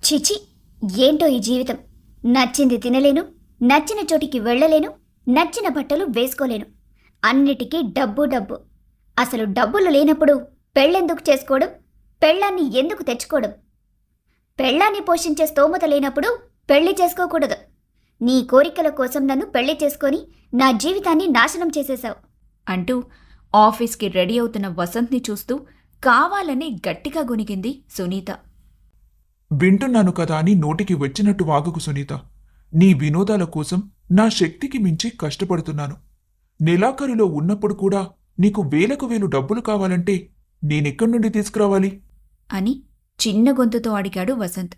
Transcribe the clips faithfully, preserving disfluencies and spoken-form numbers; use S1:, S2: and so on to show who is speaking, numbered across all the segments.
S1: చిచి, ఏంటో ఈ జీవితం. నచ్చింది తినలేను, నచ్చిన చోటికి వెళ్ళలేను, నచ్చిన బట్టలు వేసుకోలేను. అన్నిటికీ డబ్బు డబ్బు. అసలు డబ్బులు లేనప్పుడు పెళ్ళెందుకు చేసుకోవడం? పెళ్ళాన్ని ఎందుకు తెచ్చుకోవడం? పెళ్ళాన్ని పోషించే స్తోమత లేనప్పుడు పెళ్లి చేసుకోకూడదు. నీ కోరికల కోసం నన్ను పెళ్లి చేసుకొని నా జీవితాన్ని నాశనం చేసేశావు
S2: అంటూ ఆఫీస్కి రెడీ అవుతున్న వసంత్ని చూస్తూ కావాలని గట్టిగా గొనిగింది సునీత.
S3: వింటున్నాను కదా అని నోటికి వచ్చినట్టు వాగకు సునీత. నీ వినోదాల కోసం నా శక్తికి మించి కష్టపడుతున్నాను. నెలాఖరులో ఉన్నప్పుడు కూడా నీకు వేలకు వేలు డబ్బులు కావాలంటే నేనెక్కడి నుండి తీసుకురావాలి
S2: అని చిన్న గొంతుతో అడిగాడు వసంత్.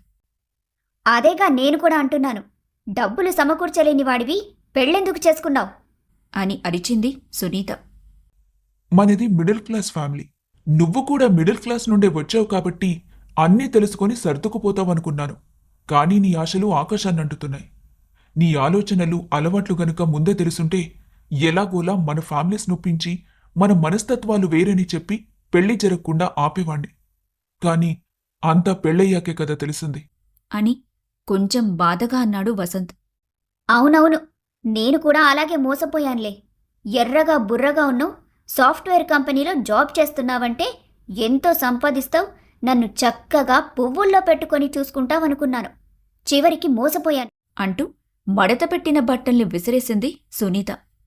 S1: అదేగా నేను కూడా అంటున్నాను. డబ్బులు సమకూర్చలేని వాడివి పెళ్ళెందుకు చేసుకున్నావు
S2: అని అరిచింది సునీత.
S3: మనది మిడిల్ క్లాస్ ఫ్యామిలీ. నువ్వు కూడా మిడిల్ క్లాస్ నుండే వచ్చావు కాబట్టి అన్నీ తెలుసుకొని సర్దుకుపోతావనుకున్నాను. కానీ నీ ఆశలు ఆకాశాన్నంటుతున్నాయి. నీ ఆలోచనలు అలవాట్లు గనుక ముందే తెలుసుంటే ఎలాగోలా మన ఫ్యామిలీస్ నొప్పించి మన మనస్తత్వాలు వేరని చెప్పి పెళ్లి జరగకుండా ఆపేవాణ్ణి. కాని అంతా పెళ్ళయ్యాకే కదా తెలిసింది
S2: అని కొంచెం బాధగా అన్నాడు వసంత్.
S1: అవునవును, నేను కూడా అలాగే మోసపోయానులే. ఎర్రగా బుర్రగా ఉన్నావు, సాఫ్ట్వేర్ కంపెనీలో జాబ్ చేస్తున్నావంటే ఎంతో సంపాదిస్తావు, నన్ను చక్కగా పువ్వుల్లో పెట్టుకొని చూసుకుంటావనుకున్నాను. చివరికి మోసపోయాను
S2: అంటూ మడత పెట్టిన బట్టల్ని విసిరేసింది సునీత.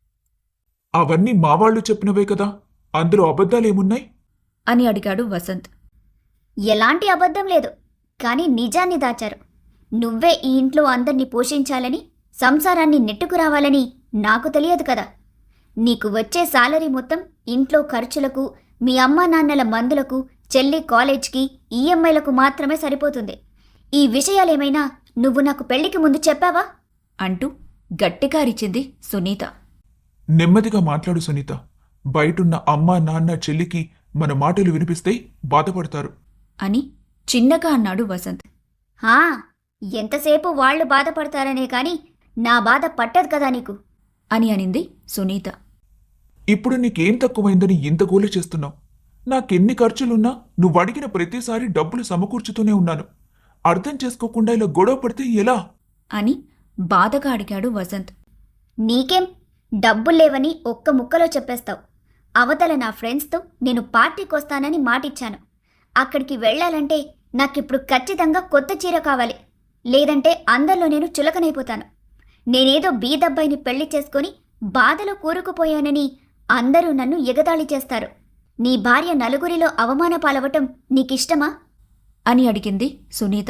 S3: అవన్నీ మావాళ్లు చెప్పినవే కదా, అందులో అబద్ధాలేమున్నాయి
S2: అని అడిగాడు వసంత్.
S1: ఎలాంటి అబద్ధం లేదు, కానీ నిజాన్ని దాచారు. నువ్వే ఈ ఇంట్లో అందర్నీ పోషించాలని, సంసారాన్ని నెట్టుకురావాలని నాకు తెలియదు కదా. నీకు వచ్చే సాలరీ మొత్తం ఇంట్లో ఖర్చులకు, మీ అమ్మా నాన్నల మందులకు, చెల్లి కాలేజ్కి, ఈఎంఐలకు మాత్రమే సరిపోతుంది. ఈ విషయాలేమైనా నువ్వు నాకు పెళ్లికి ముందు చెప్పావా
S2: అంటూ గట్టిగా అరిచింది సునీత.
S3: నెమ్మదిగా మాట్లాడు సునీత. బయటున్న అమ్మా నాన్న చెల్లికి మన మాటలు వినిపిస్తే బాధపడతారు
S2: అని చిన్నగా అన్నాడు వసంత్.
S1: హా, ఎంతసేపు వాళ్లు బాధపడతారనే కాని నా బాధ పట్టదు కదా నీకు
S2: అని అనింది సునీత.
S3: ఇప్పుడు నీకేం తక్కువైందని ఇంత గోల చేస్తున్నావు? నాకెన్ని ఖర్చులున్నా నువ్వు అడిగిన ప్రతిసారి డబ్బులు సమకూర్చుతూనే ఉన్నాను. అర్థం చేసుకోకుండా ఇలా గొడవ పడితే ఎలా
S2: అని బాధగా అడిగాడు వసంత్.
S1: నీకేం డబ్బుల్లేవని ఒక్క ముక్కలో చెప్పేస్తావు. అవతల నా ఫ్రెండ్స్తో నేను పార్టీకొస్తానని మాటిచ్చాను. అక్కడికి వెళ్లాలంటే నాకిప్పుడు ఖచ్చితంగా కొత్త చీర కావాలి, లేదంటే అందరిలో నేను చులకనైపోతాను. నేనేదో బీదబ్బాయిని పెళ్లి చేసుకుని బాధలో కూరుకుపోయానని అందరూ నన్ను ఎగతాళి చేస్తారు. నీ భార్య నలుగురిలో అవమాన పాలవటం నీకిష్టమా
S2: అని అడిగింది సునీత.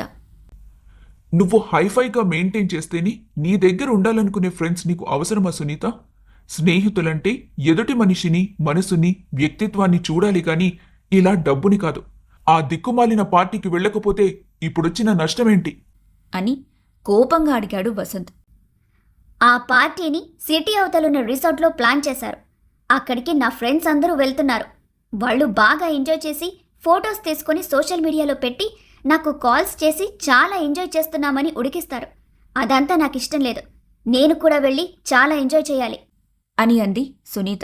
S3: నువ్వు హైఫైగా మెయింటైన్ చేస్తేనే నీ దగ్గర ఉండాలనుకునే ఫ్రెండ్స్ నీకు అవసరమా సునీత? స్నేహితులంటే ఎదుటి మనిషిని, మనసుని, వ్యక్తిత్వాన్ని చూడాలి గాని ఇలా డబ్బుని కాదు. ఆ దిక్కుమాలిన పార్టీకి వెళ్ళకపోతే ఇప్పుడొచ్చిన నష్టమేంటి
S2: అని కోపంగా అడిగాడు వసంత్.
S1: ఆ పార్టీని సిటీ అవతలున్న రిసార్ట్లో ప్లాన్ చేశారు. అక్కడికి నా ఫ్రెండ్స్ అందరూ వెళ్తున్నారు. వాళ్ళు బాగా ఎంజాయ్ చేసి ఫొటోస్ తీసుకొని సోషల్ మీడియాలో పెట్టి నాకు కాల్స్ చేసి చాలా ఎంజాయ్ చేస్తున్నామని ఉడికిస్తారు. అదంతా నాకు ఇష్టం లేదు. నేను కూడా వెళ్ళి చాలా ఎంజాయ్ చేయాలి
S2: అని అంది సునీత.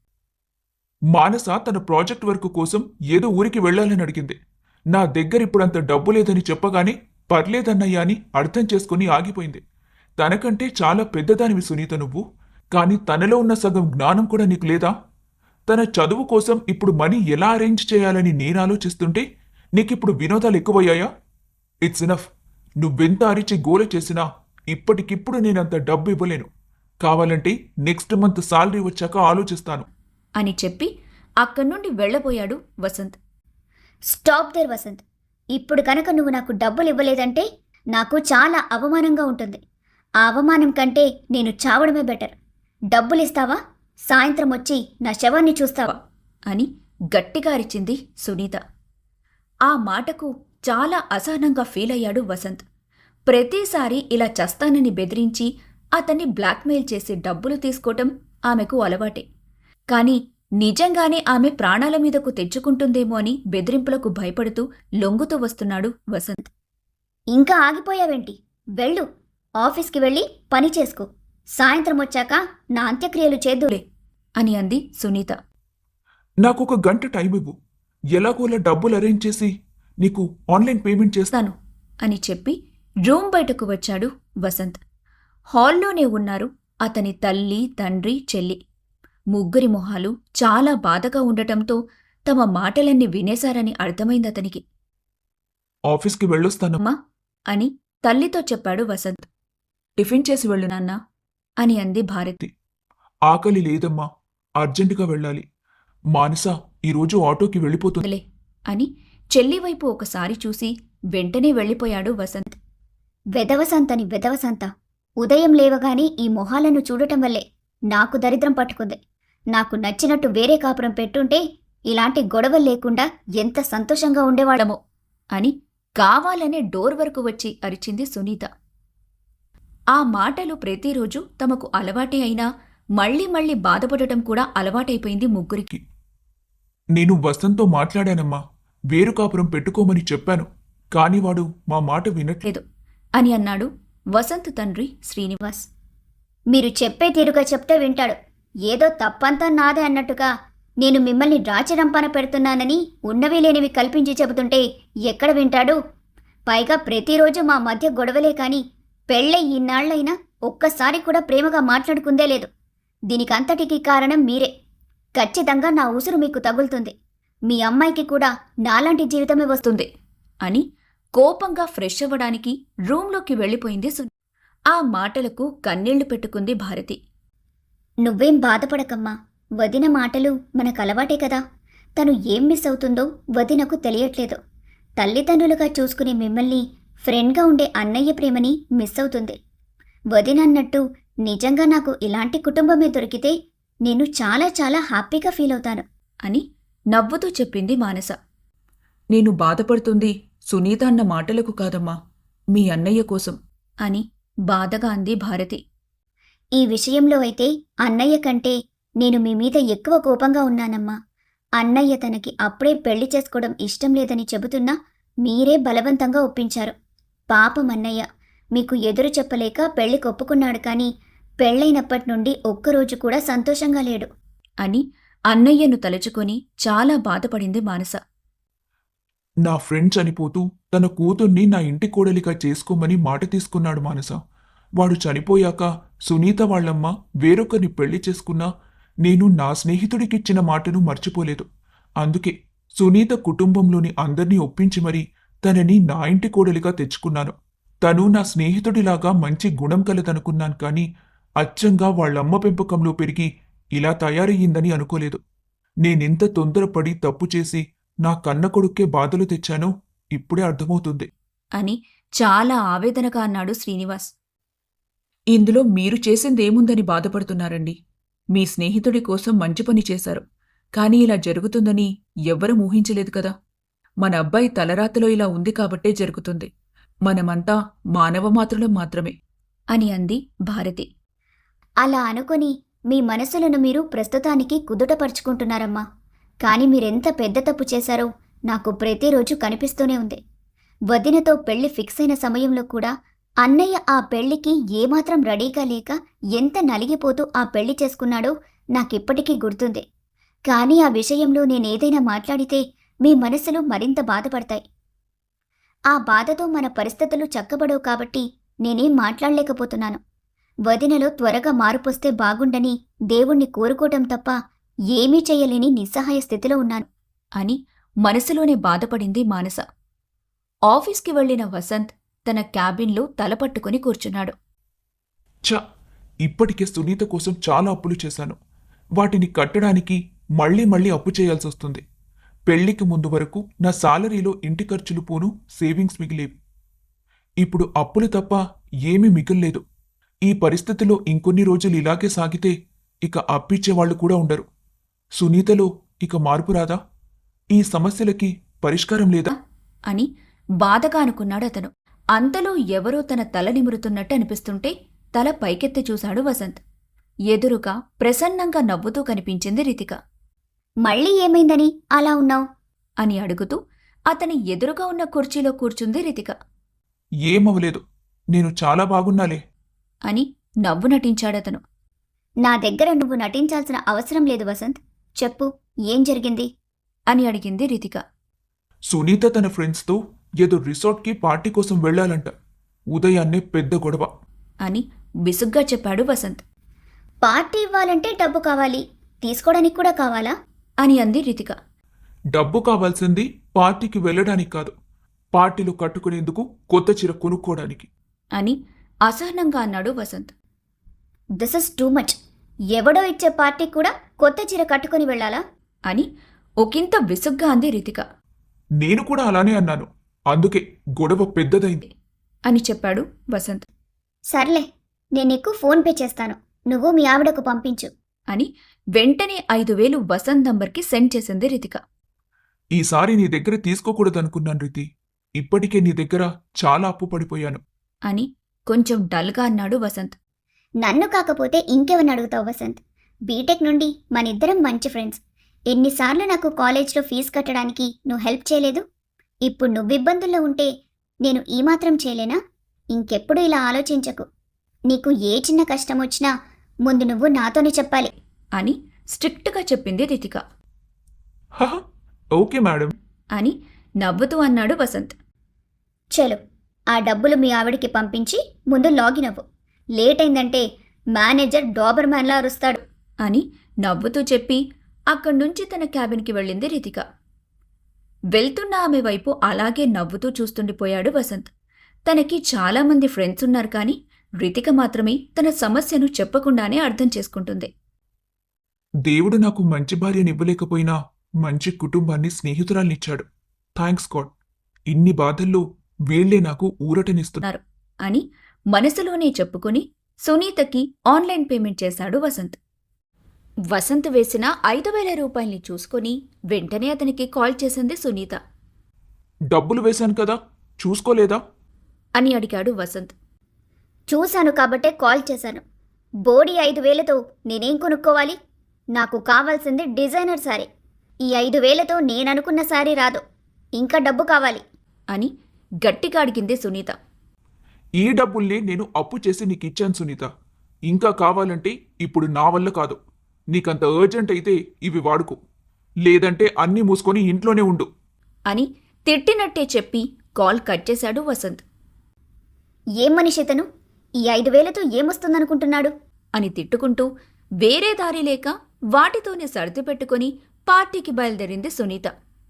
S3: మానస తన ప్రాజెక్ట్ వర్క్ కోసం ఏదో ఊరికి వెళ్లాలని అడిగింది. నా దగ్గర ఇప్పుడంత డబ్బు లేదని చెప్పగానే పర్లేదన్నయ్యా అని అర్థం చేసుకుని ఆగిపోయింది. తనకంటే చాలా పెద్దదానివి సునీత నువ్వు. కాని తనలో ఉన్న సగం జ్ఞానం కూడా నీకు లేదా? తన చదువు కోసం ఇప్పుడు మనీ ఎలా అరేంజ్ చేయాలని నేను ఆలోచిస్తుంటే నీకిప్పుడు వినోదాలు ఎక్కువయ్యాయా? It's enough. నువ్వెంత అరిచి గోల చేసినా ఇప్పటికిప్పుడు నేనంత డబ్బు ఇవ్వలేను. కావాలంటే నెక్స్ట్ మంత్ సాలరీ వచ్చాక ఆలోచిస్తాను
S2: అని చెప్పి అక్కడి నుండి వెళ్లబోయాడు వసంత్.
S1: Stop there Vasanth. ఇప్పుడు కనుక నువ్వు నాకు డబ్బులు ఇవ్వలేదంటే నాకు చాలా అవమానంగా ఉంటుంది. ఆ అవమానం కంటే నేను చావడమే బెటర్. డబ్బులిస్తావా? సాయంత్రం వచ్చి నా శవాన్ని చూస్తావా
S2: అని గట్టిగా అరిచింది సునీత. ఆ మాటకు చాలా అసహనంగా ఫీల్ అయ్యాడు వసంత్. ప్రతిసారి ఇలా చస్తానని బెదిరించి అతన్ని బ్లాక్మెయిల్ చేసి డబ్బులు తీసుకోవటం ఆమెకు అలవాటే. కాని నిజంగానే ఆమె ప్రాణాల మీదకు తెచ్చుకుంటుందేమో అని బెదిరింపులకు భయపడుతూ లొంగుతూ వస్తున్నాడు వసంత్.
S1: ఇంకా ఆగిపోయావేంటి? వెళ్ళు, ఆఫీస్కి వెళ్ళి పని చేసుకో. సాయంత్రం వచ్చాక నా అంత్యక్రియలు చేద్దులే
S2: అని అంది సునీత.
S3: నాకొక గంట టైం ఇవ్వు. ఎలాగోలా డబ్బులు అరేంజ్ చేసి నీకు ఆన్లైన్ పేమెంట్ చేస్తాను
S2: అని చెప్పి రూమ్ బయటకు వచ్చాడు వసంత్. హాల్లోనే ఉన్నారు అతని తల్లి, తండ్రి, చెల్లి. ముగ్గురి మొహాలు చాలా బాధగా ఉండటంతో తమ మాటలన్నీ వినేశారని అర్థమైందతనికి.
S3: ఆఫీస్కి వెళ్ళొస్తాను.
S2: అమ్మా అని తల్లితో చెప్పాడు వసంత్. టిఫిన్ చేసి వెళ్ళు నాన్నా అని అంది భారతి.
S3: ఆకలి లేదమ్మా, అర్జెంటుగా వెళ్ళాలి. మానస ఈరోజు ఆటోకి వెళ్ళిపోతుంది.
S2: వదిలే అని చెల్లివైపు ఒకసారి చూసి వెంటనే వెళ్ళిపోయాడు వసంత్.
S1: వెదవసంతని వెదవసంత. ఉదయం లేవగానే ఈ మొహాలను చూడటం వల్లే నాకు దరిద్రం పట్టుకుంది. నాకు నచ్చినట్టు వేరే కాపురం పెట్టుంటే ఇలాంటి గొడవలు లేకుండా ఎంత సంతోషంగా ఉండేవాడమో
S2: అని కావాలనే డోర్ వరకు వచ్చి అరిచింది సునీత. ఆ మాటలు ప్రతిరోజు తమకు అలవాటే అయినా మళ్లీ మళ్లీ బాధపడటం కూడా అలవాటైపోయింది ముగ్గురికి.
S3: నేను వసంత్తో మాట్లాడానమ్మా, వేరు కాపురం పెట్టుకోమని చెప్పాను. కాని వాడు మా మాట వినట్లేదు
S2: లేదు అని అన్నాడు వసంత్ తండ్రి శ్రీనివాస్.
S1: మీరు చెప్పే తీరుగా చెప్తే వింటాడు. ఏదో తప్పంతా నాదే అన్నట్టుగా నేను మిమ్మల్ని రాచిరంపాన పెడుతున్నానని ఉన్నవి లేనివి కల్పించి చెబుతుంటే ఎక్కడ వింటాడు? పైగా ప్రతిరోజు మా మధ్య గొడవలే కాని పెళ్ళై ఇన్నాళ్లైనా ఒక్కసారి కూడా ప్రేమగా మాట్లాడుకుందే లేదు. దీనికంతటికీ కారణం మీరే. ఖచ్చితంగా నా ఉసురు మీకు తగులుతుంది. మీ అమ్మాయికి కూడా నాలాంటి జీవితమే వస్తుంది
S2: అని కోపంగా ఫ్రెష్ అవ్వడానికి రూంలోకి వెళ్ళిపోయింది సునీత. ఆ మాటలకు కన్నీళ్లు పెట్టుకుంది భారతి.
S1: నువ్వేం బాధపడకమ్మా. వదిన మాటలు మనకు అలవాటే కదా. తను ఏం మిస్ అవుతుందో వదినకు తెలియట్లేదు. తల్లిదండ్రులుగా చూసుకునే మిమ్మల్ని ఫ్రెండ్గా ఉండే అన్నయ్య ప్రేమని మిస్ అవుతుంది. వదినన్నట్టు నిజంగా నాకు ఇలాంటి కుటుంబమే దొరికితే నేను చాలా చాలా హ్యాపీగా ఫీల్ అవుతాను
S2: అని నవ్వుతూ చెప్పింది మానస.
S4: నేను బాధపడుతుంది సునీత అన్న మాటలకు కాదమ్మా, మీ అన్నయ్య కోసం
S2: అని బాధగా అంది భారతి.
S1: ఈ విషయంలో అయితే అన్నయ్య కంటే నేను మీ మీద ఎక్కువ కోపంగా ఉన్నానమ్మా. అన్నయ్య తనకి అప్పుడే పెళ్లి చేసుకోవడం ఇష్టం లేదని చెబుతున్నా మీరే బలవంతంగా ఒప్పించారు. పాపం అన్నయ్య మీకు ఎదురు చెప్పలేక పెళ్లి కొప్పుకున్నాడు. కానీ పెళ్లైనప్పటి నుండి ఒక్కరోజు కూడా సంతోషంగా లేడు
S2: అని అన్నయ్యను తలుచుకొని చాలా బాధపడింది మానస.
S3: నా ఫ్రెండ్ చనిపోతూ తన కూతుర్ని నా ఇంటి కోడలిగా చేసుకోమని మాట తీసుకున్నాడు మానస. వాడు చనిపోయాక సునీత వాళ్ళమ్మ వేరొకరిని పెళ్లి చేసుకున్నా నేను నా స్నేహితుడికిచ్చిన మాటను మర్చిపోలేదు. అందుకే సునీత కుటుంబంలోని అందర్నీ ఒప్పించి మరీ తనని నా ఇంటి కోడలిగా తెచ్చుకున్నాను. తను నా స్నేహితుడిలాగా మంచి గుణం కలదనుకున్నాను. కానీ అచ్చంగా వాళ్ళమ్మ పెంపకంలో పెరిగి ఇలా తయారయ్యిందని అనుకోలేదు. నేనెంత తొందరపడి తప్పు చేసి నా కన్న కొడుక్కే బాధలు తెచ్చానో ఇప్పుడే అర్థమవుతుంది
S2: అని చాలా ఆవేదనగా అన్నాడు శ్రీనివాస్.
S4: ఇందులో మీరు చేసిందేముందని బాధపడుతున్నారండి? మీ స్నేహితుడి కోసం మంచి పని చేశారు. కానీ ఇలా జరుగుతుందని ఎవ్వరూ ఊహించలేదు కదా. మన అబ్బాయి తలరాతలో ఇలా ఉంది కాబట్టే జరుగుతుంది. మనమంతా మానవమాత్రులం మాత్రమే
S2: అని అంది భారతి.
S1: అలా అనుకుని మీ మనసులను మీరు ప్రస్తుతానికి కుదుటపరుచుకుంటున్నారమ్మా. కానీ మీరెంత పెద్ద తప్పు చేశారో నాకు ప్రతిరోజు కనిపిస్తూనే ఉంది. వదినతో పెళ్లి ఫిక్స్ అయిన సమయంలో కూడా అన్నయ్య ఆ పెళ్లికి ఏమాత్రం రెడీగా లేక ఎంత నలిగిపోతూ ఆ పెళ్లి చేసుకున్నాడో నాకిప్పటికీ గుర్తుంది. కానీ ఆ విషయంలో నేనేదైనా మాట్లాడితే మీ మనసులు మరింత బాధపడతాయి. ఆ బాధతో మన పరిస్థితులు చక్కబడవు కాబట్టి నేనేం మాట్లాడలేకపోతున్నాను. వదినలో త్వరగా మార్పొస్తే బాగుండని దేవుణ్ణి కోరుకోవటం తప్ప ఏమీ చెయ్యలేని నిస్సహాయ స్థితిలో ఉన్నాను
S2: అని మనసులోనే బాధపడింది మానస. ఆఫీస్కి వెళ్లిన వసంత్ తన క్యాబిన్లో తలపట్టుకుని కూర్చున్నాడు.
S3: ఛ, ఇప్పటికే సునీత కోసం చాలా అప్పులు చేశాను. వాటిని కట్టడానికి మళ్లీ మళ్లీ అప్పు చేయాల్సి వస్తుంది. పెళ్లికి ముందు వరకు నా సాలరీలో ఇంటి ఖర్చులు పోను సేవింగ్స్ మిగిలేవి. ఇప్పుడు అప్పులు తప్ప ఏమీ మిగిల్లేదు. ఈ పరిస్థితిలో ఇంకొన్ని రోజులు ఇలాగే సాగితే ఇక అప్పిచ్చేవాళ్లు కూడా ఉండరు. సునీతలో ఇక మార్పు రాదా? ఈ సమస్యలకి పరిష్కారం లేదా
S2: అని బాధగా అనుకున్నాడతను. అంతలో ఎవరో తన తల నిమురుతున్నట్టు అనిపిస్తుంటే తల పైకెత్తి చూశాడు వసంత్. ఎదురుగా ప్రసన్నంగా నవ్వుతూ కనిపించింది రితిక.
S1: మళ్ళీ ఏమైందని అలా ఉన్నావు
S2: అని అడుగుతూ అతని ఎదురుగా ఉన్న కుర్చీలో కూర్చుంది రితిక.
S3: ఏమవలేదు, నేను చాలా బాగున్నాలే
S2: అని నవ్వు నటించాడతను.
S1: నా దగ్గర నువ్వు నటించాల్సిన అవసరం లేదు వసంత్. చెప్పు, ఏం జరిగింది
S2: అని అడిగింది రితిక.
S3: సునీత తన ఫ్రెండ్స్తో ఏదో రిసార్ట్కి పార్టీ కోసం వెళ్ళాలంట. ఉదయాన్నే పెద్ద గొడవ.
S2: అని విసుగ్గా చెప్పాడు వసంత్.
S1: పార్టీ ఇవ్వాలంటే డబ్బు కావాలి, తీసుకోవడానికి కూడా కావాలా?
S2: అని అంది రితిక.
S3: డబ్బు కావాల్సింది పార్టీకి వెళ్ళడానికి కాదు, పార్టీలో కట్టుకునేందుకు కొత్త చీర కొనుక్కోవడానికి.
S2: అని అసహనంగా అన్నాడు Vasanth.
S1: This is too much. ఎవడో ఇచ్చే పార్టీ కూడా కొత్త చీర కట్టుకుని వెళ్ళాలా?
S2: అని ఒకంత విసుగ్గా అంది రితిక.
S3: నేను కూడా అలానే అన్నాను, అందుకే గొడవ పెద్దదైంది.
S2: అని చెప్పాడు వసంత్.
S1: సర్లే, నేను నీకు ఫోన్ పే చేస్తాను, నువ్వు మీ ఆవిడకు పంపించు.
S2: అని వెంటనే ఐదు వేలు వసంత్ నంబర్కి సెండ్ చేసింది రితిక.
S3: ఈసారి నీ దగ్గర తీసుకోకూడదనుకున్నాను రీతి. ఇప్పటికే నీ దగ్గర చాలా అప్పు పడిపోయాను.
S2: అని కొంచెం డల్గా అన్నాడు వసంత్.
S1: నన్ను కాకపోతే ఇంకెవరిని అడుగుతావు వసంత్? బీటెక్ నుండి మనిద్దరం మంచి ఫ్రెండ్స్. ఎన్నిసార్లు నాకు కాలేజ్లో ఫీజు కట్టడానికి నువ్వు హెల్ప్ చేయలేదు? ఇప్పుడు నువ్వు ఇబ్బందుల్లో ఉంటే నేను ఈ మాత్రం చేయలేనా? ఇంకెప్పుడు ఇలా ఆలోచించకు. నీకు ఏ చిన్న కష్టం వచ్చినా ముందు నువ్వు నాతోనే చెప్పాలి.
S2: అని స్ట్రిక్ట్గా చెప్పింది రితిక.
S3: హహ, ఓకే మేడం.
S2: అని నవ్వుతూ అన్నాడు వసంత్.
S1: చలో, ఆ డబ్బులు మీ ఆవిడికి పంపించి ముందు లాగిన్ అవ్వు. లేట్ అయిందంటే మేనేజర్ డాబర్ మ్యాన్లా అరుస్తాడు.
S2: అని నవ్వుతూ చెప్పి అక్కడి నుంచి తన క్యాబిన్కి వెళ్ళింది రితిక. వెళ్తున్న ఆమె వైపు అలాగే నవ్వుతూ చూస్తుండిపోయాడు వసంత్. తనకి చాలామంది ఫ్రెండ్స్ ఉన్నారు, కానీ రితిక మాత్రమే తన సమస్యను చెప్పకుండానే అర్థం చేసుకుంటుంది.
S3: దేవుడు నాకు మంచి భార్యనివ్వలేకపోయినా మంచి కుటుంబాన్ని, స్నేహితురాల్నిచ్చాడు. Thanks God. ఇన్ని బాధల్లో వీళ్లే నాకు ఊరటనిస్తున్నారు.
S2: అని మనసులోనే చెప్పుకుని సునీతకి ఆన్లైన్ పేమెంట్ చేశాడు వసంత్. వసంత్ వేసిన ఐదు వేల రూపాయల్ని చూసుకొని వెంటనే అతనికి కాల్ చేసింది సునీత.
S3: డబ్బులు వేశాను కదా, చూసుకోలేదా?
S2: అని అడిగాడు వసంత్.
S1: చూశాను కాబట్టే కాల్ చేశాను. బోడీ ఐదు వేలతో నేనేం కొనుక్కోవాలి? నాకు కావాల్సింది డిజైనర్ శారీ. ఈ ఐదు వేలతో నేననుకున్న శారీ రాదు. ఇంకా డబ్బు కావాలి.
S2: అని గట్టిగా అడిగింది సునీత.
S3: ఈ డబ్బుల్ని నేను అప్పు చేసి నీకు ఇచ్చాను సునీత. ఇంకా కావాలంటే ఇప్పుడు నా వల్ల కాదు. నీకంత అర్జెంట్ అయితే ఇవి వాడుకో, లేదంటే అన్నీ మూసుకొని ఇంట్లోనే ఉండు.
S2: అని తిట్టినట్టే చెప్పి కాల్ కట్ చేశాడు వసంత్.
S1: ఏం మనిషి ఇతను? ఈ ఐదు వేలతో ఏమొస్తుందనుకుంటున్నాడు?
S2: అని తిట్టుకుంటూ వేరే దారి లేక వాటితోనే సర్ది పెట్టుకుని పార్టీకి బయలుదేరింది సునీత.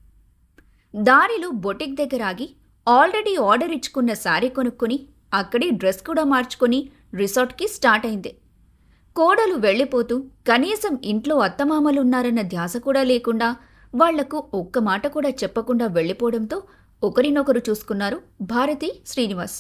S2: దారిలో బొటిక్ దగ్గర ఆగి ఆల్రెడీ ఆర్డర్ ఇచ్చుకున్న శారీ కొనుక్కొని అక్కడి డ్రెస్ కూడా మార్చుకొని రిసార్ట్కి స్టార్ట్ అయింది. కోడలు వెళ్ళిపోతూ కనీసం ఇంట్లో అత్తమామలున్నారన్న ధ్యాస కూడా లేకుండా వాళ్లకు ఒక్క మాట కూడా చెప్పకుండా వెళ్ళిపోవడంతో ఒకరినొకరు చూసుకున్నారు భారతి, శ్రీనివాస్.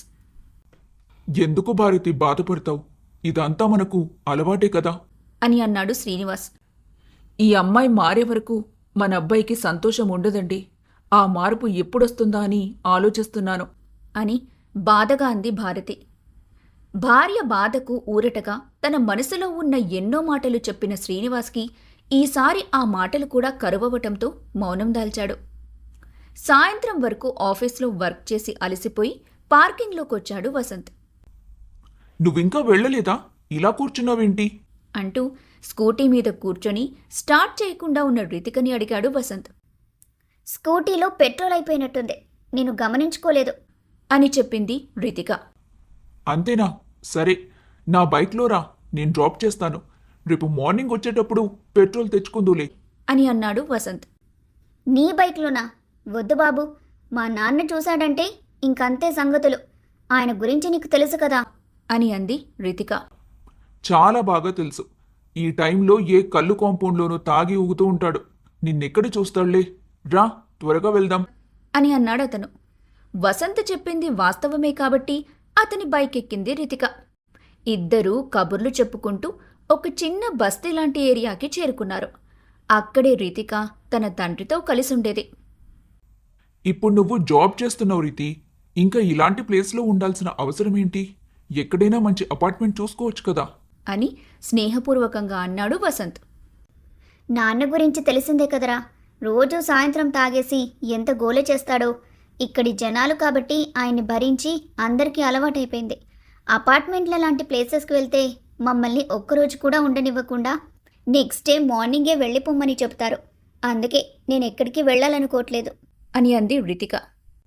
S3: ఎందుకు భారతి బాధపడతావు? ఇదంతా మనకు అలవాటే కదా
S2: అని అన్నాడు శ్రీనివాస్.
S4: ఈ అమ్మాయి మారే వరకు మన అబ్బాయికి సంతోషం ఉండదండి. ఆ మార్పు ఎప్పుడొస్తుందా అని ఆలోచిస్తున్నాను.
S2: అని బాధగా అంది భారతి. భార్య బాధకు ఊరటగా తన మనసులో ఉన్న ఎన్నో మాటలు చెప్పిన శ్రీనివాస్కి ఈసారి ఆ మాటలు కూడా కరువవటంతో మౌనం దాల్చాడు. సాయంత్రం వరకు ఆఫీస్లో వర్క్ చేసి అలసిపోయి పార్కింగ్లోకొచ్చాడు వసంత్.
S3: నువ్వింకా వెళ్ళలేదా? ఇలా కూర్చున్నావేంటి?
S2: అంటూ స్కూటీ మీద కూర్చొని స్టార్ట్ చేయకుండా ఉన్న రితికని అడిగాడు వసంత్.
S1: స్కూటీలో పెట్రోల్ అయిపోయినట్టుంది, నేను గమనించుకోలేదు.
S2: అని చెప్పింది రితిక.
S3: అంతేనా? సరే, నా బైక్లో రా, నేను డ్రాప్ చేస్తాను. రేపు మార్నింగ్ వచ్చేటప్పుడు పెట్రోల్ తెచ్చుకుందులే
S2: అని అన్నాడు వసంత్.
S1: నీ బైక్లోనా? వద్దు బాబు, మా నాన్న చూశాడంటే ఇంకంతే సంగతులు. ఆయన గురించి నీకు తెలుసు కదా.
S2: అని అంది రితిక.
S3: చాలా బాగా తెలుసు. ఈ టైంలో ఏ కళ్ళు కాంపౌండ్లోనూ తాగి ఊగుతూ ఉంటాడు. నిన్నెక్కడ చూస్తాడులే. రా, త్వరగా వెళ్దాం
S2: అని అన్నాడు అతను. వసంత్ చెప్పింది వాస్తవమే కాబట్టి అతని బైక్ ఎక్కింది రితిక. ఇద్దరూ కబుర్లు చెప్పుకుంటూ ఒక చిన్న బస్తీ లాంటి ఏరియాకి చేరుకున్నారు. అక్కడే రితిక తన తండ్రితో కలిసుండేది.
S3: ఇప్పుడు నువ్వు జాబ్ చేస్తున్నావు రీతి. ఇంకా ఇలాంటి ప్లేస్లో ఉండాల్సిన అవసరం ఏంటి? ఎక్కడైనా మంచి అపార్ట్మెంట్ చూసుకోవచ్చు కదా
S2: అని స్నేహపూర్వకంగా అన్నాడు వసంత్.
S1: నాన్న గురించి తెలిసిందే కదరా, రోజూ సాయంత్రం తాగేసి ఎంత గోల చేస్తాడో. ఇక్కడి జనాలు కాబట్టి ఆయన్ని భరించి అందరికీ అలవాటైపోయింది. అపార్ట్మెంట్ల లాంటి ప్లేసెస్కి వెళ్తే మమ్మల్ని ఒక్కరోజు కూడా ఉండనివ్వకుండా నెక్స్ట్ డే మార్నింగే వెళ్ళిపోమ్మని చెప్తారు. అందుకే నేను ఎక్కడికి వెళ్ళాలనుకోవట్లేదు
S2: అని అంది రితిక.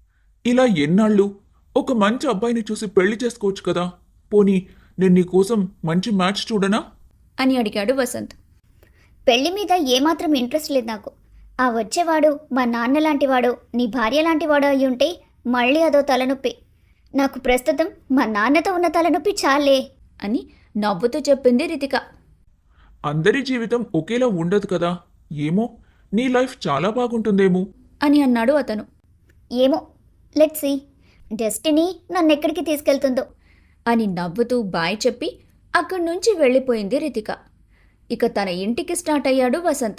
S3: ఇలా ఎన్నాళ్ళు? ఒక మంచి అబ్బాయిని చూసి పెళ్లి చేసుకోవచ్చు కదా. పోనీ నేను నీకోసం మంచి మ్యాచ్ చూడనా?
S2: అని అడిగాడు వసంత్.
S1: పెళ్లి మీద ఏమాత్రం ఇంట్రెస్ట్ లేదు నాకు. ఆ వచ్చేవాడు మా నాన్న లాంటివాడో నీ భార్య లాంటివాడో అయి ఉంటే మళ్ళీ అదో తలనొప్పి. నాకు ప్రస్తుతం మా నాన్నతో ఉన్న తలనొప్పి చాలే
S2: అని నవ్వుతూ చెప్పింది రితిక.
S3: అందరి జీవితం ఒకేలా ఉండదు కదా. ఏమో, నీ లైఫ్ చాలా బాగుంటుందేమో
S2: అని అన్నాడు అతను.
S1: ఏమో, లెట్స్ సీ డెస్టినీ నన్నెక్కడికి తీసుకెళ్తుందో
S2: అని నవ్వుతూ బాయ్ చెప్పి అక్కడి నుంచి వెళ్ళిపోయింది రితిక. ఇక తన ఇంటికి స్టార్ట్ అయ్యాడు వసంత్.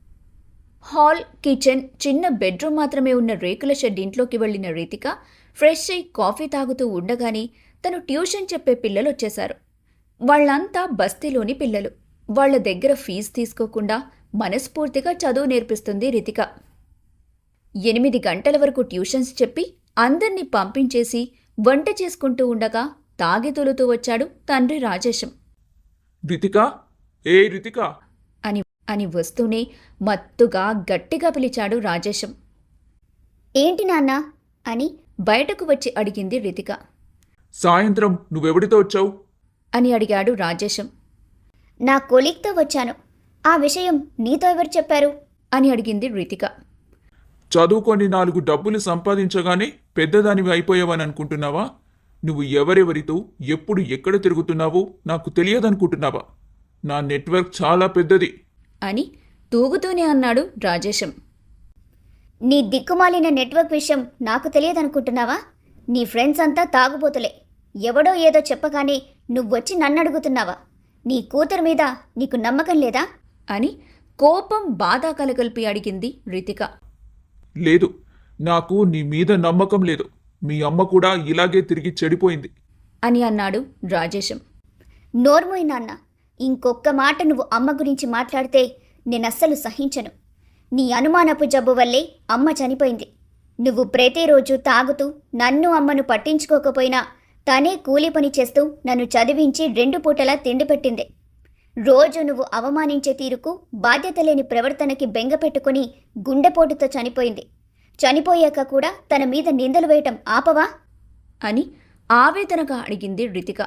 S2: హాల్, కిచెన్, చిన్న బెడ్రూమ్ మాత్రమే ఉన్న రేకుల షెడ్ ఇంట్లోకి వెళ్ళిన రితిక ఫ్రెష్ అయి కాఫీ తాగుతూ ఉండగానే తను ట్యూషన్ చెప్పే పిల్లలు వచ్చేశారు. వాళ్ళంతా బస్తీలోని పిల్లలు. వాళ్ల దగ్గర ఫీజు తీసుకోకుండా మనస్ఫూర్తిగా చదువు నేర్పిస్తుంది రితిక. ఎనిమిది గంటల వరకు ట్యూషన్స్ చెప్పి అందర్నీ పంపించేసి వంట చేసుకుంటూ ఉండగా తాగి తొలుతూ వచ్చాడు తండ్రి రాజేశం.
S3: రితికా, ఏ రితికా
S2: అని అని వస్తూనే మత్తుగా గట్టిగా పిలిచాడు రాజేశం.
S1: ఏంటి నాన్న అని
S2: బయటకు వచ్చి అడిగింది రితిక.
S3: సాయంత్రం నువ్వెవడితో వచ్చావు
S2: అని అడిగాడు రాజేశం.
S1: నా కొలీగ్తో వచ్చాను. ఆ విషయం నీతో ఎవరు చెప్పారు
S2: అని అడిగింది రితిక.
S3: చదువుకొని నాలుగు డబ్బులు సంపాదించగానే పెద్దదానివి అయిపోయావని అనుకుంటున్నావా? నువ్వు ఎవరెవరితో ఎప్పుడు ఎక్కడ తిరుగుతున్నావో నాకు తెలియదనుకుంటున్నావా? నా నెట్వర్క్ చాలా పెద్దది
S2: అని తూగుతూనే అన్నాడు రాజేశం.
S1: నీ దిక్కుమాలిన నెట్వర్క్ విషయం నాకు తెలియదనుకుంటున్నావా? నీ ఫ్రెండ్స్ అంతా తాగుబోతులే. ఎవడో ఏదో చెప్పగానే నువ్వొచ్చి నన్ను అడుగుతున్నావా? నీ కూతురు మీద నీకు నమ్మకం లేదా
S2: అని కోపం బాధ కలగలిపి అడిగింది రితిక.
S3: లేదు, నాకు నీ మీద నమ్మకం లేదు. మీ అమ్మ కూడా ఇలాగే తిరిగి చెడిపోయింది
S2: అని అన్నాడు రాజేశం.
S1: నోర్మోయ్ నాన్న, ఇంకొక్క మాట నువ్వు అమ్మ గురించి మాట్లాడితే నేనస్సలు సహించను. నీ అనుమానపు జబ్బు వల్లే అమ్మ చనిపోయింది. నువ్వు ప్రతిరోజు తాగుతూ నన్ను అమ్మను పట్టించుకోకపోయినా తనే కూలి పని చేస్తూ నన్ను చదివించి రెండు పూటలా తిండి పెట్టింది. రోజు నువ్వు అవమానించే తీరుకు బాధ్యత లేని ప్రవర్తనకి బెంగ పెట్టుకుని గుండెపోటుతో చనిపోయింది. చనిపోయాక కూడా తన మీద నిందలు వేయటం ఆపవా
S2: అని ఆవేదనగా అడిగింది రితిక.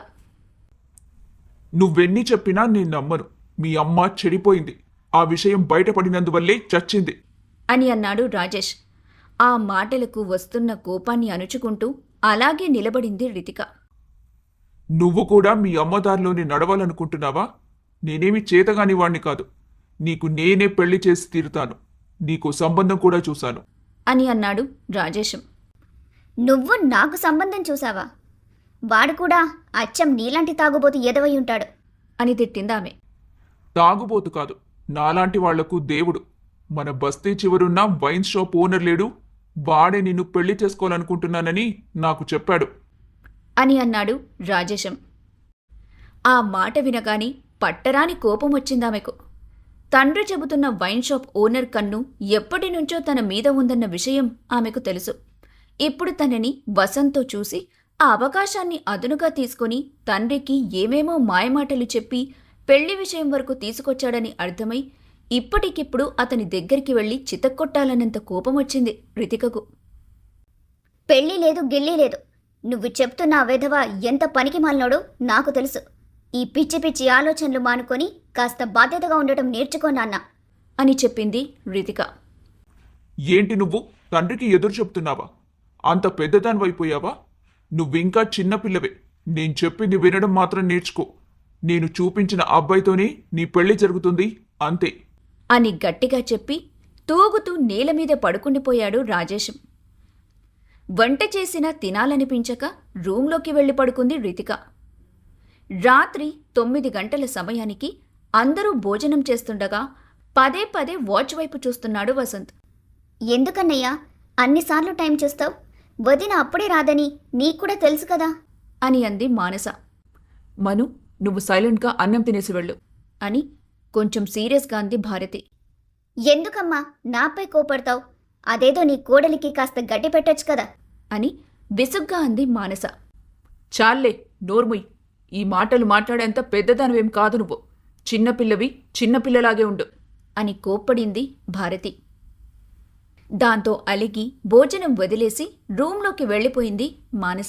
S3: నువ్వెన్ని చెప్పినా నేను నమ్మను. మీ అమ్మ చెడిపోయింది. ఆ విషయం బయటపడినందువల్లే చచ్చింది
S2: అని అన్నాడు రాజేష్. ఆ మాటలకు వస్తున్న కోపాన్ని అణుచుకుంటూ అలాగే నిలబడింది రితిక.
S3: నువ్వు కూడా మీ అమ్మ దారిలోనే నడవాలనుకుంటున్నావా? నేనేమి చేతగాని వాణ్ణి కాదు. నీకు నేనే పెళ్లి చేసి తీరుతాను. నీకు సంబంధం కూడా చూశాను
S2: అని అన్నాడు రాజేశం.
S1: నువ్వు నాకు సంబంధం చూసావా? వాడు కూడా అచ్చం నీలాంటి తాగుబోతు ఎదవై ఉంటాడు
S2: అని తిట్టిందామె.
S3: తాగుబోతు కాదు, నాలాంటి వాళ్లకు దేవుడు. మన బస్తీ చివరున్న వైన్ షాప్ ఓనర్ లేడు, వాడే నిన్ను పెళ్లి చేసుకోవాలనుకుంటున్నానని నాకు చెప్పాడు
S2: అని అన్నాడు రాజేశం. ఆ మాట వినగాని పట్టరాని కోపం వచ్చిందామెకు. తండ్రి చెబుతున్న వైన్ షాప్ ఓనర్ కన్ను ఎప్పటినుంచో తన మీద ఉందన్న విషయం ఆమెకు తెలుసు. ఇప్పుడు తనని వసంత్తో చూసి ఆ అవకాశాన్ని అదునుగా తీసుకుని తండ్రికి ఏమేమో మాయమాటలు చెప్పి పెళ్లి విషయం వరకు తీసుకొచ్చాడని అర్థమై ఇప్పటికిప్పుడు అతని దగ్గరికి వెళ్లి చితక్కొట్టాలన్నంత కోపం వచ్చింది రితికకు.
S1: పెళ్లి లేదు గిల్లి లేదు. నువ్వు చెప్తున్న ఆ వెధవ ఎంత పనికి మాలినోడో నాకు తెలుసు. ఈ పిచ్చి పిచ్చి ఆలోచనలు మానుకొని కాస్త బాధ్యతగా ఉండటం నేర్చుకో నాన్న
S2: అని చెప్పింది రితిక.
S3: ఏంటి నువ్వు తండ్రికి ఎదురు చెప్తున్నావా? అంత పెద్దదానివైపోయావా? నువ్వింకా చిన్నపిల్లవే. నేను చెప్పింది వినడం మాత్రం నేర్చుకో. నేను చూపించిన అబ్బాయితోనే నీ పెళ్లి జరుగుతుంది, అంతే
S2: అని గట్టిగా చెప్పి తూగుతూ నేల మీద పడుకుండిపోయాడు రాజేశం. వంట చేసినా తినాలనిపించక రూంలోకి వెళ్లి పడుకుంది రితిక. రాత్రి తొమ్మిది గంటల సమయానికి అందరూ భోజనం చేస్తుండగా పదే పదే వాచ్ వైపు చూస్తున్నాడు వసంత్.
S1: ఎందుకన్నయ్యా అన్నిసార్లు టైం చూస్తావు? వదిన అప్పుడే రాదని నీకు కూడా తెలుసు కదా
S2: అని అంది మానస.
S4: మను, నువ్వు సైలెంట్గా అన్నం తినేసి వెళ్ళు
S2: అని కొంచెం సీరియస్గా అంది భారతి.
S1: ఎందుకమ్మా నాపై కోపడతావు? అదేదో నీ కోడలికి కాస్త గడ్డి పెట్టొచ్చు కదా
S2: అని విసుగ్గా అంది మానస.
S4: చాల్లే, నోర్ముయ్. ఈ మాటలు మాట్లాడేంత పెద్దదానివేం కాదు నువ్వు. చిన్నపిల్లవి చిన్నపిల్లలాగే ఉండు
S2: అని కోప్పడింది భారతి. దాంతో అలిగి భోజనం వదిలేసి రూంలోకి వెళ్ళిపోయింది మానస.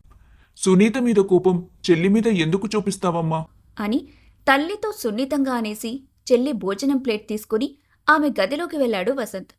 S3: సునీత మీద కోపం చెల్లి మీద ఎందుకు చూపిస్తావమ్మా?
S2: అని తల్లితో సున్నితంగా అనేసి చెల్లి భోజనం ప్లేట్ తీసుకుని ఆమె గదిలోకి వెళ్ళాడు వసంత్.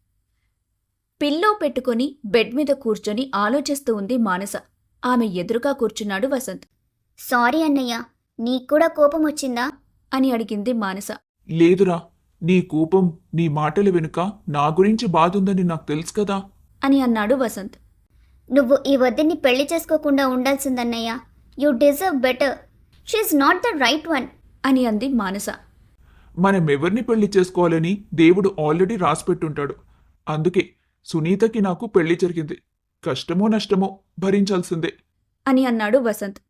S2: పిల్లో పెట్టుకుని బెడ్ మీద కూర్చొని ఆలోచిస్తూ ఉంది మానస. ఆమె ఎదురుగా కూర్చున్నాడు వసంత్.
S1: సారీ అన్నయ్య, నీక్కూడా కోపం వచ్చిందా
S2: అని అడిగింది మానస.
S3: లేదురా, నీ కోపం నీ మాటల వెనుక నా గురించి బాధుందని నాకు తెలుసు కదా
S2: అని అన్నాడు వసంత్.
S1: నువ్వు ఈ వద్దని పెళ్లి చేసుకోకుండా ఉండాల్సిందన్నయ్య. You deserve better. She's not the right one
S2: అని అంది మానస.
S3: మనం ఎవరిని పెళ్లి చేసుకోవాలని దేవుడు ఆల్రెడీ రాసిపెట్టుంటాడు. అందుకే సునీతకి నాకు పెళ్లి జరిగింది. కష్టమో నష్టమో భరించాల్సిందే
S2: అని అన్నాడు వసంత్.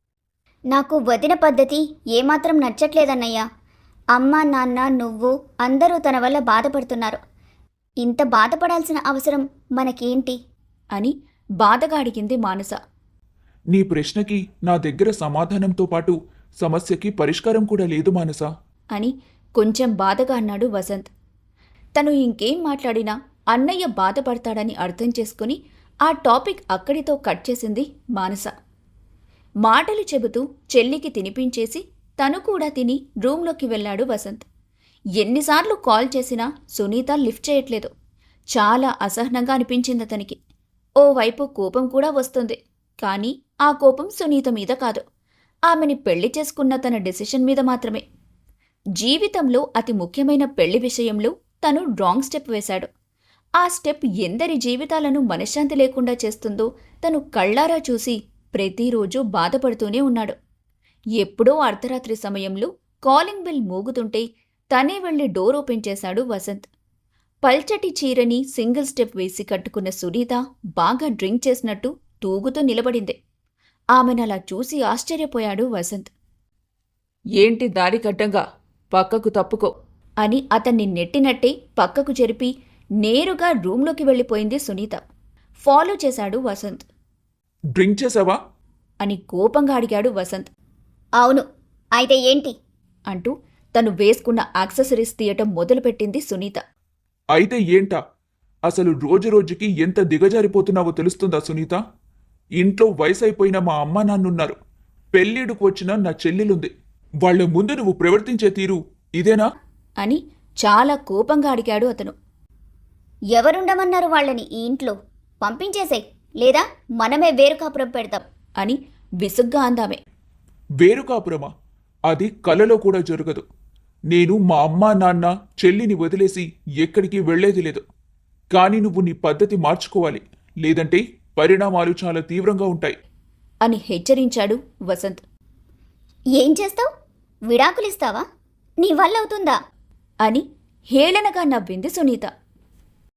S1: నాకు వదిన పద్ధతి ఏమాత్రం నచ్చట్లేదన్నయ్య. అమ్మ నాన్న నువ్వు అందరూ తన వల్ల బాధపడుతున్నారు. ఇంత బాధపడాల్సిన అవసరం మనకేంటి
S2: అని బాధగా అడిగింది మానస.
S3: నీ ప్రశ్నకి నా దగ్గర సమాధానంతో పాటు సమస్యకి పరిష్కారం కూడా లేదు మానసా
S2: అని కొంచెం బాధగా అన్నాడు వసంత్. తను ఇంకేం మాట్లాడినా అన్నయ్య బాధపడతాడని అర్థం చేసుకుని ఆ టాపిక్ అక్కడితో కట్ చేసింది మానస. మాటలు చెబుతూ చెల్లికి తినిపించేసి తను కూడా తిని రూంలోకి వెళ్ళాడు వసంత్. ఎన్నిసార్లు కాల్ చేసినా సునీత లిఫ్ట్ చేయట్లేదు. చాలా అసహనంగా అనిపించింది అతనికి. ఓవైపు కోపం కూడా వస్తుంది. కానీ ఆ కోపం సునీత మీద కాదు, ఆమెని పెళ్లి చేసుకున్న తన డెసిషన్ మీద మాత్రమే. జీవితంలో అతి ముఖ్యమైన పెళ్లి విషయంలో తను రాంగ్ స్టెప్ వేశాడు. ఆ స్టెప్ ఎందరి జీవితాలను మనశ్శాంతి లేకుండా చేస్తుందో తను కళ్ళారా చూసి ప్రతిరోజూ బాధపడుతూనే ఉన్నాడు. ఎప్పుడో అర్ధరాత్రి సమయంలో కాలింగ్ బెల్ మోగుతుంటే తనే వెళ్లి డోర్ ఓపెన్ చేశాడు వసంత్. పల్చటి చీరని సింగిల్ స్టెప్ వేసి కట్టుకున్న సునీత బాగా డ్రింక్ చేసినట్టు తూగుతూ నిలబడింది. ఆమెనలా చూసి ఆశ్చర్యపోయాడు వసంత్.
S4: ఏంటి దారి కట్టంగా, పక్కకు తప్పుకో
S2: అని అతన్ని నెట్టినట్టే పక్కకు జరిపి నేరుగా రూంలోకి వెళ్ళిపోయింది సునీత. ఫాలో చేశాడు వసంత్.
S3: డ్రింక్ చేసావా
S2: అని కోపంగా అడిగాడు వసంత్.
S1: అవును, అయితే ఏంటి
S2: అంటూ తను వేసుకున్న యాక్సెసరీస్ తీయటం మొదలుపెట్టింది సునీత.
S3: అయితే ఏంటా? అసలు రోజు రోజుకి ఎంత దిగజారిపోతున్నావో తెలుస్తుందా సునీత? ఇంట్లో వయసైపోయిన మా అమ్మ నాన్నున్నారు. పెళ్ళిడుకు వచ్చిన నా చెల్లెలుంది. వాళ్ల ముందు నువ్వు ప్రవర్తించే తీరు ఇదేనా
S2: అని చాలా కోపంగా అడిగాడు అతను.
S1: ఎవరుండమన్నారు వాళ్ళని ఈ ఇంట్లో? పంపించేసేయ్, లేదా మనమే వేరు కాపురం పెడతాం
S2: అని విసుగ్గా అందామె.
S3: వేరు కాపురమా? అది కలలో కూడా జరగదు. నేను మా అమ్మా నాన్న చెల్లిని వదిలేసి ఎక్కడికి వెళ్లేది లేదు. కాని నువ్వు నీ పద్ధతి మార్చుకోవాలి, లేదంటే పరిణామాలు చాలా తీవ్రంగా ఉంటాయి
S2: అని హెచ్చరించాడు వసంత్.
S1: ఏం చేస్తావు? విడాకులిస్తావా? నీ వల్ల అవుతుందా
S2: అని హేళనగా నవ్వింది సునీత.